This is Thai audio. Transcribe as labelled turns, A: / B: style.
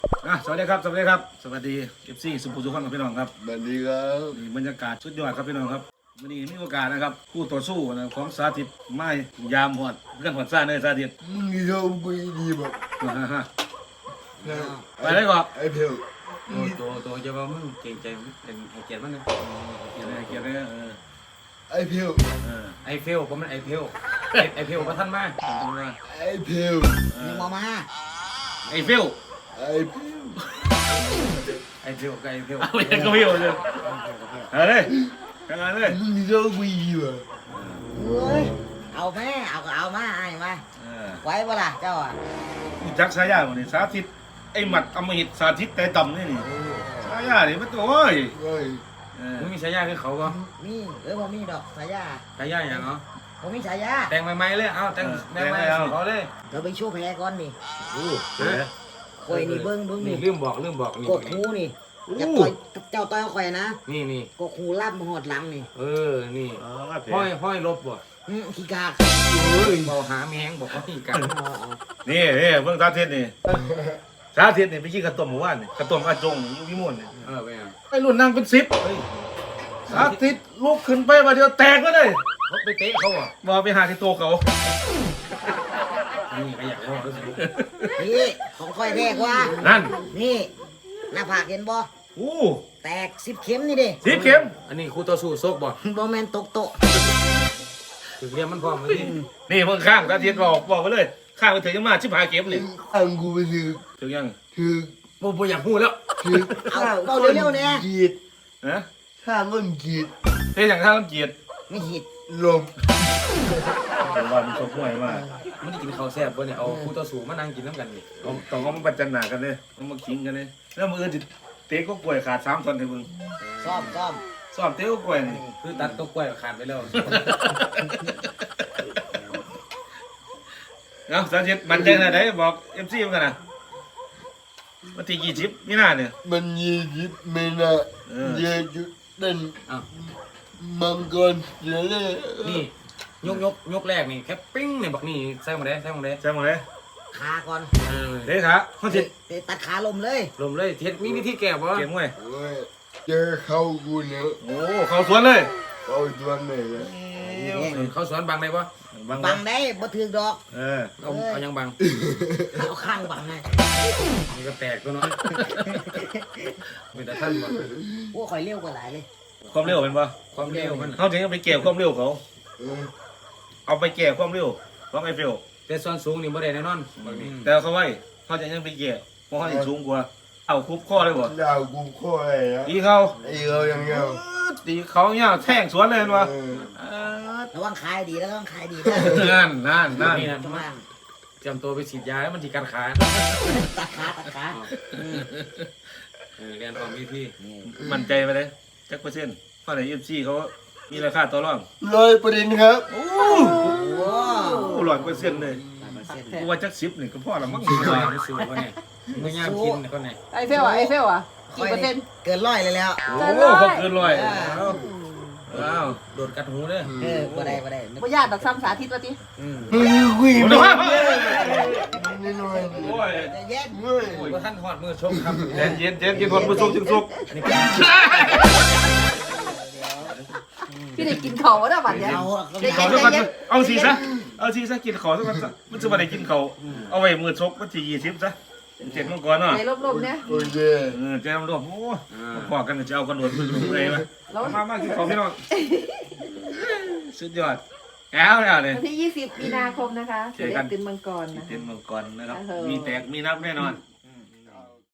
A: สวัสดีครับสวัสดีครับสวัสดีเอฟซีสุภูสุขครับพี่น้องครับ
B: สวัสดีครับ
A: นี่บรรยากาศสุดยอดครับพี่น้องครับวันนี้มีโอกาสนะครับคู่ต่อสู้นะของสาธิตไม้ยามหอดเพื่อนหอดซ่าเนยสาธิต
B: มึงนี่ชอบคุยดีแบบ
A: ไปเลยก่อน
B: ไอ้เพียว
C: ตัวจะว่ามึงเก่งใจเป็นไอเกียรติมันนะ
A: เกียรติเกียรติ
B: ไอ้เพียว
C: ไอเฟลผมมันไอเฟลไอเฟลมาท่านมา
B: ไอ้เพียว
D: ยังมา
A: ไอ้ฟิว
B: ไอ้เพียว
C: ไอเฟลกับไอเฟล
A: เอาไปยังก็ฟิวเลยเอาเลยทำงานเลย
B: มึงนี่ชอบคุยดีแบบ
D: เฮ้ยเอาแม่เอาก็เอามาไอ้มาไว้บ่ล่ะเจ้าอ่ะ
A: จักสายาวันนี้สาธิตไอ้หมัดอมหิตสาธิตแต่ต่ำนี่สายานี่มันโอ้ย
B: เฮ้ย
C: มึงมีฉายาคือเขาก็
D: มีผมมีดอกสายา
C: ฉายาอย่างเนาะ
D: ผมมีฉายา
C: แต่งใหม่ๆเลยเอาแต่งใหม่ๆเขาเลย
D: เราไปโชว์แพ้ก่อนนี่
A: เจ๋อ
D: คอยนี่เบิ้ง
C: นี่
D: นี่
C: ลืมบอกนี่
D: กดหูนี่จะต่อยเจ้าต่อยคอยนะ
C: นี่
D: กดหูล่ำหอดหลังนี่
C: นี่
A: อ๋อ
C: ห้อยลบบ่
D: ขี้กาก
C: เบาหาแมงบอกเขาที่กัน
A: นี่เพิ่งสาธิตนี่สาธิตนี่ไปกินข้าวต้มหมู่บ้านนี่ข้าวต้มอาจงอยู่พิมลนี่
C: ไปอ่ะ
A: ไอ้รุ่นนั่งเป็น10สาธิตลุกขึ้นไปมาเดียวแตกก็เลย
C: เขาไปเตะเขาอ่ะ
A: มาไปหาที่โตะเขา
C: นี่ก็อยากว่ารู้สึก
D: นี่ของคอยแรกว่า
A: นั่น
D: นี่หน้าผากเห็นบ่
A: อู้
D: แตก10 เข็มนี่ดิ
A: 10 เข็ม
C: อันนี้คู่ต่อสู้ซกบ่
D: บ่แมนตกโตะ
C: ถึงเรียนมันพร้อมเลย
A: นี่เพิ่งข้างสาธิตบอกไปเลยข้างไปถึงยังมา15 เข็มนี่
B: ข้างกูไปถือ
A: ถึงยัง
B: ถือ
C: บ่อยากพูดแล้ว
B: ถือ
D: เอาเร็วๆเนี่ย
B: กีด
A: ฮะ
B: ข้างก้นกีด
A: เฮ้ยอย่างข้างลำเกียรติ
D: ไม่หิด
B: ลม
A: ผมว่ามันชกมวยมาก
C: มันได้กินข้าวแซ่บบ่เนี่ยเอาคู่ต่อสู้มานั่งกินน้ำกันนี่
A: ต้องเอามาประจันหนากันเลยต้องมาขิงกันเลยแล้วมืออื่นเตะก็กล้วยขาด3 ท่อนให้มึง
D: ซ่อม
A: ซ้อมเตะก็กล้วยนี่
C: คือตัดตัวกล้วยขาดไปแล้ว
A: เนาะสาธิตมันใจไหนบอกMCมันกันนะวันที่20มีนาเนี่ย
B: มัน20ไม่น่าเยอะจุดเด่น
C: อ้าว
B: มังกรเยอะเลย
C: นี่ยกแรกนี่แค่ปิ้งเนี่ยบอกนี่ใส่หมดเลย
A: ใช่ไหมเลย
D: ขาก่อน
A: เด้ขาเขาจิต
D: เตะตัดขาลมเลย
C: ลมเลยเทสมีวิธีแก้บ่
A: เกมมวย
B: โอ้ยเจอเข้ากูเนี่ย
A: โอ้เขาสวนเลย
B: เข้าตัวไหนเลย
C: เขาสอนบังได้บ่
D: บังได้บ่ถือดอก
C: เอายังบัง
D: เอาข้างบังไง
C: มันก็แตกตัวเนาะเป็นแต่ท่านบ่
D: พวกข่อยเร็วกว่าหลายเลย
A: ความเร็วเป็นปะ
C: ความเร็วมัน
A: เขาถึงเอาไปเก็บความเร็วเขา
B: เออ
A: เอาไปเก็บความเร็วของไอ้เฟล
C: แต่ส่วนสูงนี่บ่ได้แน่นอนบางนี้
A: แต่เขาไว้เขาจะยังไปเก็บเพราะเขาจะสูงกว่าเอาคุบข้อเลยบ่
B: ดาวกูโค่อยอ่ะ
A: ตีเขา
B: ไอ้เรายังเงา
A: ตีเขาเนี่ยแท่งสวนเลยมั้
D: ระวังขายดีแล้วต้องขายดีนะ
A: นั่น
C: นี่นะ
D: ระวัง
C: จำตัวไปฉีดยาแล้วมันสิกัดขา
D: ตัดขา
C: เรียนความวิธี
A: มั่นใจไปเลยจักเปอร์เซ็นต์เพราะในUFCเขามีราคาต่อรอง
B: 100%ครับ
A: โอ้
D: ว้าว
A: 100%เลยกูว่าจัก10นี่ก็พอละมั้ง
C: ไม่สู้บ่เนี่ยไม่ยากกินคนไหน
E: ไอเฟลอ่ะกี่เปอร์เซ็นต์
D: เกินร้อยเลยแล้ว
A: โอ้เขาเกินร้อยว้าว
C: โดดกัดหูเด้อ
D: บ่ได้
E: บ่ญาติดอกซ้ำสาธิตว่าติ
B: มึงคุย
A: โอ้
B: ไม่
A: โห
B: ได้น้อย
A: โอ้ย
D: เย็น
B: เฮ้ย
C: ว่าท่านหอดมือชกครับ
A: เย็นกินคนผู้ชมจึงสุก
C: อันนี้เป็น
E: พี่ได้กินเขาแล้วบัดเนี้ย
D: เอา
E: ได้
A: ขอ
E: กิน
A: สัก
E: ได้
A: วัน
E: เย็น
A: เอาสิซะกินขอสักวันซะมันจะมาได้กินเขาเอาไว้มือชกวันที่20ซะเจ็ดมังกรเนาะ
E: ในลมๆเนี่ย
B: โอเค
A: เจ้าลมโอ้พอกันจะเอากระโดดมือเลยมั้ย
E: แล้ว
A: มากินของพี่น้องสุดยอดแล้วเนี่ย
E: วันที่20 มีนาคมนะคะเสือเล็กตื่นมังกรนะ
A: เต็มมังกรนะครับมีแตกมีนับแน่นอน